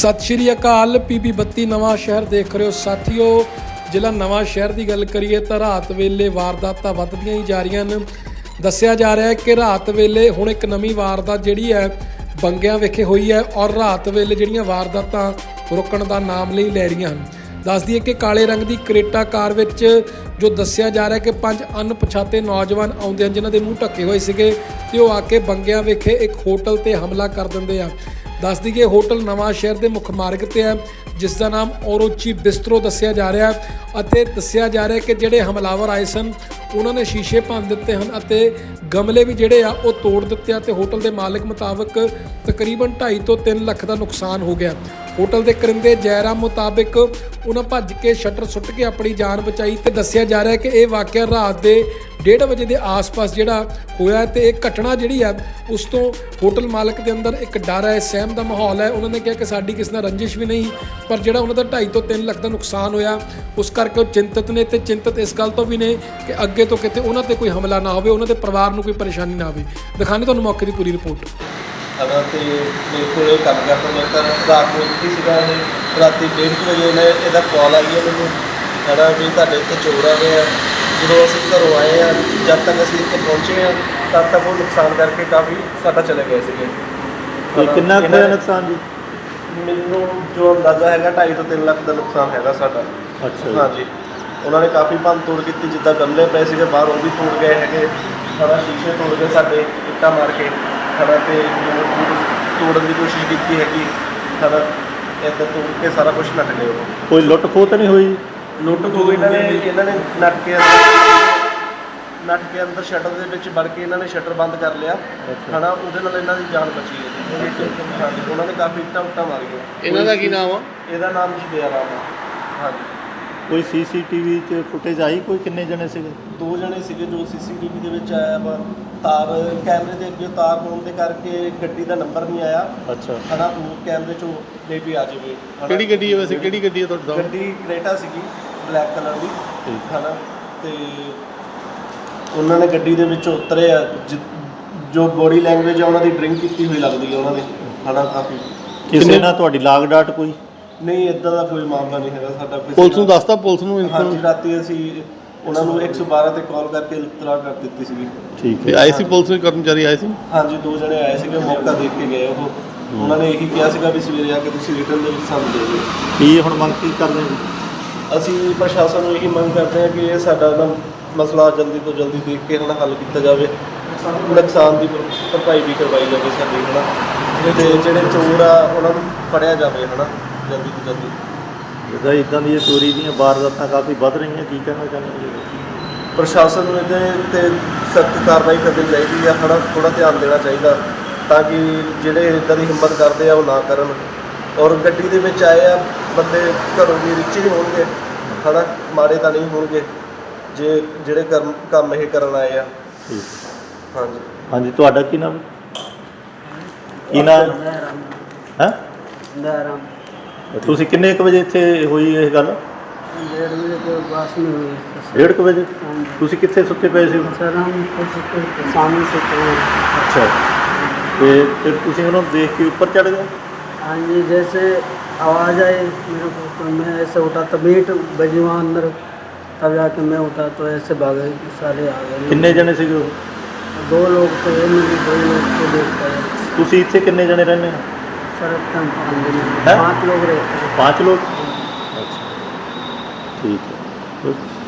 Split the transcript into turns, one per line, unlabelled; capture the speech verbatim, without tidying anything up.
सत श्री अकाल पीबी बत्ती नवां शहर देख रहे हो साथियों। ਜ਼ਿਲ੍ਹਾ ਨਵਾਂ ਸ਼ਹਿਰ ਦੀ ਗੱਲ ਕਰੀਏ ਤਾਂ ਰਾਤ ਵੇਲੇ ਵਾਰਦਾਤਾਂ ਵੱਧਦੀਆਂ ਹੀ ਜਾ ਰਹੀਆਂ ਨੇ। ਦੱਸਿਆ ਜਾ ਰਿਹਾ ਹੈ ਕਿ ਰਾਤ ਵੇਲੇ ਹੁਣ ਇੱਕ ਨਵੀਂ ਵਾਰਦਾਤ ਜਿਹੜੀ ਹੈ ਬੰਗਿਆਂ ਵਿਖੇ ਹੋਈ ਹੈ ਔਰ ਰਾਤ ਵੇਲੇ ਜਿਹੜੀਆਂ ਵਾਰਦਾਤਾਂ ਰੁਕਣ ਦਾ ਨਾਮ ਨਹੀਂ ਲੈ ਰਹੀਆਂ ਹਨ। ਦੱਸ ਦਈਏ ਕਿ ਕਾਲੇ ਰੰਗ ਦੀ ਕਰੇਟਾ ਕਾਰ ਵਿੱਚ ਜੋ ਦੱਸਿਆ ਜਾ ਰਿਹਾ ਕਿ ਪੰਜ ਅਣਪਛਾਤੇ ਨੌਜਵਾਨ ਆਉਂਦੇ ਹਨ ਜਿਨ੍ਹਾਂ ਦੇ ਮੂੰਹ ਢੱਕੇ ਹੋਏ ਸੀਗੇ ਤੇ ਉਹ ਆ ਕੇ ਬੰਗਿਆਂ ਵਿਖੇ ਇੱਕ ਹੋਟਲ ਤੇ ਹਮਲਾ ਕਰ ਦਿੰਦੇ ਆ। ਦੱਸ ਦਈਏ ਹੋਟਲ ਨਵਾਂ ਸ਼ਹਿਰ ਦੇ ਮੁੱਖ ਮਾਰਗ ਤੇ ਹੈ ਜਿਸ ਦਾ ਨਾਮ ਔਰੋਚੀ ਬਿਸਤਰੋ ਦੱਸਿਆ ਜਾ ਰਿਹਾ ਅਤੇ ਦੱਸਿਆ ਜਾ ਰਿਹਾ ਕਿ ਜਿਹੜੇ ਹਮਲਾਵਰ ਆਏ ਸਨ ਉਹਨਾਂ ਨੇ ਸ਼ੀਸ਼ੇ ਭੰਨ ਦਿੱਤੇ ਹਨ ਅਤੇ ਗਮਲੇ ਵੀ ਜਿਹੜੇ ਆ ਉਹ ਤੋੜ ਦਿੱਤੇ ਆ ਤੇ ਹੋਟਲ ਦੇ ਮਾਲਕ ਮੁਤਾਬਕ ਤਕਰੀਬਨ ਢਾਈ ਤੋਂ ਤਿੰਨ ਲੱਖ ਦਾ ਨੁਕਸਾਨ ਹੋ ਗਿਆ। ਹੋਟਲ ਦੇ ਕਰਿੰਦੇ ਜੈਰਾਮ ਮੁਤਾਬਕ ਉਹਨਾਂ ਭੱਜ ਕੇ ਸ਼ਟਰ ਸੁੱਟ ਕੇ ਆਪਣੀ ਜਾਨ ਬਚਾਈ ਤੇ ਦੱਸਿਆ ਜਾ ਰਿਹਾ ਕਿ ਇਹ ਵਾਕਿਆ ਰਾਤ ਦੇ ਡੇਢ ਵਜੇ ਦੇ ਆਸ-ਪਾਸ ਜਿਹੜਾ ਹੋਇਆ ਤੇ ਇਹ ਘਟਨਾ ਜਿਹੜੀ ਆ ਉਸ ਤੋਂ ਹੋਟਲ ਮਾਲਕ ਦੇ ਅੰਦਰ ਇੱਕ ਡਰ ਹੈ, ਸਹਿਮ ਦਾ ਮਾਹੌਲ ਹੈ। ਉਹਨਾਂ ਨੇ ਕਿਹਾ ਕਿ ਸਾਡੀ ਕਿਸੇ ਨਾਲ ਰੰਜਿਸ਼ ਵੀ ਨਹੀਂ, ਪਰ ਜਿਹੜਾ ਉਹਨਾਂ ਦਾ ਢਾਈ ਤੋਂ ਤਿੰਨ ਲੱਖ ਦਾ ਨੁਕਸਾਨ ਹੋਇਆ ਉਸ ਕਰਕੇ ਉਹ ਚਿੰਤਤ ਨੇ ਤੇ ਚਿੰਤਤ ਇਸ ਗੱਲ ਤੋਂ ਵੀ ਨੇ ਕਿ ਅੱਗੇ ਤੋਂ ਕਿਤੇ ਉਹਨਾਂ ਤੇ ਕੋਈ ਹਮਲਾ ਨਾ ਹੋਵੇ, ਉਹਨਾਂ ਦੇ ਪਰਿਵਾਰ ਨੂੰ ਕੋਈ ਪਰੇਸ਼ਾਨੀ ਨਾ ਆਵੇ। ਦਿਖਾਣੇ ਤੁਹਾਨੂੰ ਮੌਕੇ ਦੀ ਪੂਰੀ ਰਿਪੋਰਟ।
ਅਗਰ ਤੇ ਮੇਰੇ ਕੋਲ ਕੰਮ ਕਰਦਾ ਮੈਂ ਤਾਂ ਰਾਤ ਨੂੰ ਇੱਥੇ ਸੀਗਾ। ਇਹ ਰਾਤੀ ਡੇਢ ਕੁ ਵਜੇ ਨੇ ਇਹਦਾ ਕਾਲ ਆਈ ਹੈ ਮੈਨੂੰ ਸਾਡਾ ਵੀ ਤੁਹਾਡੇ ਇੱਥੇ ਚੋਰ ਆ ਗਏ ਆ। ਜਦੋਂ ਅਸੀਂ ਘਰੋਂ ਆਏ ਆ ਜਦ ਤੱਕ ਅਸੀਂ ਇੱਥੇ ਪਹੁੰਚੇ ਆ ਤਦ ਤੱਕ ਉਹ ਨੁਕਸਾਨ ਕਰਕੇ ਕਾਫੀ ਸਾਡਾ ਚਲੇ ਗਏ ਸੀਗੇ।
ਤੇ ਕਿੰਨਾ ਕੁ ਹੋਇਆ ਨੁਕਸਾਨ ਜੀ?
ਮੈਨੂੰ ਜੋ ਅੰਦਾਜ਼ਾ ਹੈਗਾ ਢਾਈ ਤੋਂ ਤਿੰਨ ਲੱਖ ਦਾ ਨੁਕਸਾਨ ਹੈਗਾ ਸਾਡਾ।
ਅੱਛਾ
ਹਾਂਜੀ, ਉਹਨਾਂ ਨੇ ਕਾਫੀ ਭੰਨ ਤੋੜ ਕੀਤੀ, ਜਿੱਦਾਂ ਗਮਲੇ ਪਏ ਸੀਗੇ ਬਾਹਰ ਉਹ ਵੀ ਤੋੜ ਗਏ ਹੈਗੇ, ਸਾਡਾ ਸ਼ੀਸ਼ੇ ਤੋੜ ਗਏ ਸਾਡੇ ਇੱਟਾਂ ਮਾਰ ਕੇ ਸਾਡਾ, ਤੇ ਤੋੜਨ ਦੀ ਕੋਸ਼ਿਸ਼ ਕੀਤੀ ਹੈਗੀ ਸਾਡਾ, ਇੱਦਾਂ ਤੋੜ ਕੇ ਸਾਰਾ ਕੁਛ ਨੱਟ ਗਏ। ਉਹ
ਕੋਈ ਲੁੱਟ ਖੋਹ ਤਾਂ ਨਹੀਂ ਹੋਈ?
ਲੁੱਟ ਖੋਹ ਇਹਨਾਂ ਨੇ ਇਹਨਾਂ ਨੇ ਨੱਟ ਕੇ ਅੰਦਰ ਨੱਟ ਕੇ ਅੰਦਰ ਸ਼ਟਰ ਦੇ ਵਿੱਚ ਵੜ ਕੇ ਇਹਨਾਂ ਨੇ ਸ਼ਟਰ ਬੰਦ ਕਰ ਲਿਆ ਹੈ ਨਾ, ਉਹਦੇ ਨਾਲ ਇਹਨਾਂ ਦੀ ਜਾਨ ਬਚੀ ਹੈ। ਹਾਂਜੀ, ਉਹਨਾਂ ਨੇ ਕਾਫੀ ਇੱਟਾਂ ਉੱਟਾਂ ਮਾਰੀਆਂ।
ਇਹਨਾਂ ਦਾ ਕੀ ਨਾਮ ਆ?
ਇਹਦਾ ਨਾਮ ਜੀ ਦਯਾਰਾਮ ਆ। ਹਾਂਜੀ,
ਕੋਈ ਸੀਸੀਟੀਵੀ 'ਚ ਫੁਟੇਜ ਆਈ? ਕੋਈ ਕਿੰਨੇ ਜਣੇ ਸੀਗੇ?
ਦੋ ਜਣੇ ਸੀਗੇ ਜੋ ਸੀਸੀਟੀਵੀ ਦੇ ਵਿੱਚ ਆਇਆ ਵਾ। ਤਾਰ ਕੈਮਰੇ ਦੇ ਅੱਗੇ ਤਾਰ ਹੋਣ ਦੇ ਕਰਕੇ ਗੱਡੀ ਦਾ ਨੰਬਰ ਨਹੀਂ ਆਇਆ।
ਅੱਛਾ
ਹੈ ਨਾ, ਉਹ ਕੈਮਰੇ 'ਚੋਂ ਮੇ ਵੀ ਆ ਜਾਵੇ।
ਕਿਹੜੀ ਗੱਡੀ ਹੈ ਵੈਸੇ? ਕਿਹੜੀ ਗੱਡੀ ਹੈ ਤੁਹਾਡਾ?
ਗੱਡੀ ਕਰੇਟਾ ਸੀਗੀ ਬਲੈਕ ਕਲਰ ਦੀ।
ਠੀਕ
ਹੈ ਨਾ, ਤੇ ਉਹਨਾਂ ਨੇ ਗੱਡੀ ਦੇ ਵਿੱਚੋਂ ਉਤਰੇ ਆ। ਜੋ ਬੋਡੀ ਲੈਂਗੁਏਜ ਆ ਉਹਨਾਂ ਦੀ ਡਰਿੰਕ ਕੀਤੀ ਹੋਈ ਲੱਗਦੀ ਹੈ ਉਹਨਾਂ ਦੀ। ਹੈ ਨਾ, ਕਾਫੀ।
ਕਿਸੇ ਨਾਲ ਤੁਹਾਡੀ ਲਾਗ ਡਾਟ ਕੋਈ?
ਨਹੀਂ, ਇੱਦਾਂ ਦਾ ਕੋਈ ਮਾਮਲਾ ਨਹੀਂ ਹੈਗਾ ਸਾਡਾ।
ਪੁਲਿਸ ਨੂੰ ਦੱਸਤਾ? ਪੁਲਿਸ ਨੂੰ
ਹਾਂਜੀ, ਰਾਤੀ ਅਸੀਂ ਉਹਨਾਂ ਨੂੰ ਇੱਕ ਸੌ ਬਾਰਾਂ ਤੇ ਕਾਲ ਕਰਕੇ ਇਤਲਾਹ ਕਰ ਦਿੱਤੀ ਸੀਗੀ।
ਠੀਕ ਹੈ।
ਆਏ ਸੀ ਪੁਲਿਸ ਦੇ ਕਰਮਚਾਰੀ ਆਏ ਸੀ?
ਹਾਂਜੀ, ਦੋ ਜਣੇ ਆਏ ਸੀਗੇ, ਮੌਕਾ ਦੇਖ ਕੇ ਗਏ। ਉਹ ਉਹਨਾਂ ਨੇ ਇਹੀ ਕਿਹਾ ਸੀਗਾ ਵੀ ਸਵੇਰੇ ਆ ਕੇ ਤੁਸੀਂ ਰਿਟਰਨ ਦੇ ਵਿੱਚ ਸਾਨੂੰ ਦੇ ਦਿਓ।
ਕੀ ਹੁਣ ਮੰਗ ਕੀ ਕਰਦੇ ਜੀ?
ਅਸੀਂ ਪ੍ਰਸ਼ਾਸਨ ਨੂੰ ਇਹੀ ਮੰਗ ਕਰਦੇ ਹਾਂ ਕਿ ਇਹ ਸਾਡਾ ਨਾ ਮਸਲਾ ਜਲਦੀ ਤੋਂ ਜਲਦੀ ਦੇਖ ਕੇ ਹੁਣ ਹੱਲ ਕੀਤਾ ਜਾਵੇ, ਨੁਕਸਾਨ ਦੀ ਭਰਪਾਈ ਵੀ ਕਰਵਾਈ ਜਾਵੇ ਸਾਡੀ। ਹੈ ਨਾ, ਤੇ ਜਿਹੜੇ ਚੋਰ ਆ ਉਹਨਾਂ ਨੂੰ ਫੜਿਆ ਜਾਵੇ। ਹੈ ਨਾ, ਜਲਦੀ ਤੋਂ ਜਲਦੀ।
ਜਿੱਦਾਂ ਇੱਦਾਂ ਦੀਆਂ ਚੋਰੀ ਦੀਆਂ ਵਾਰਦਾਤਾਂ ਕਾਫੀ ਵੱਧ ਰਹੀਆਂ, ਕੀ ਕਹਿਣਾ ਚਾਹੁੰਦੇ ਜੀ?
ਪ੍ਰਸ਼ਾਸਨ ਨੂੰ ਇਹਦੇ 'ਤੇ ਸਖਤ ਕਾਰਵਾਈ ਕਰਨੀ ਚਾਹੀਦੀ ਆ। ਥੋੜ੍ਹਾ ਥੋੜ੍ਹਾ ਧਿਆਨ ਦੇਣਾ ਚਾਹੀਦਾ ਤਾਂ ਕਿ ਜਿਹੜੇ ਇੱਦਾਂ ਦੀ ਹਿੰਮਤ ਕਰਦੇ ਆ ਉਹ ਨਾ ਕਰਨ। ਔਰ ਗੱਡੀ ਦੇ ਵਿੱਚ ਆਏ ਆ ਬੰਦੇ ਘਰੋਂ ਵੀ ਰਿਚ ਹੀ ਹੋਣਗੇ, ਹੈ ਨਾ, ਮਾੜੇ ਤਾਂ ਨਹੀਂ ਹੋਣਗੇ ਜੇ ਜਿਹੜੇ ਕਰਮ ਕੰਮ ਇਹ ਕਰਨ ਆਏ ਆ।
ਠੀਕ।
ਹਾਂਜੀ
ਹਾਂਜੀ, ਤੁਹਾਡਾ ਕੀ ਨਾਮ? ਕੀ ਨਾਮ ਹੈ?
दयाराम।
ਤੁਸੀਂ ਕਿੰਨੇ ਕੁ ਵਜੇ ਇੱਥੇ ਹੋਈ ਇਹ ਗੱਲ?
डेढ़ बजे के पास में हुई है।
ਡੇਢ ਕੁ ਵਜੇ? ਤੁਸੀਂ ਕਿੱਥੇ ਸੁੱਤੇ ਪਏ ਸੀ?
सर हम कुछ सामने से तो
ਅੱਛਾ, ਤੇ ਫਿਰ ਤੁਸੀਂ ਉਹਨੂੰ ਦੇਖ ਕੇ ਉੱਪਰ ਚੜ੍ਹ ਗਏ?
हाँ जी, जैसे आवाज़ आई मेरे को तो मैं ऐसे उठा, तब ईंट बजी वहाँ अंदर, तब जाके मैं उठा तो ऐसे भागे सारे आ गए।
ਕਿੰਨੇ ਜਣੇ ਸੀਗੇ ਉਹ?
दो लोग थे, मेरे दो लोग को देख पाए।
ਤੁਸੀਂ ਇੱਥੇ ਕਿੰਨੇ ਜਣੇ ਰਹਿੰਦੇ ਹੋ?
सर हम
हैं?
पाँच लोग रहते हैं।
पाँच लोग? अच्छा, ठीक है।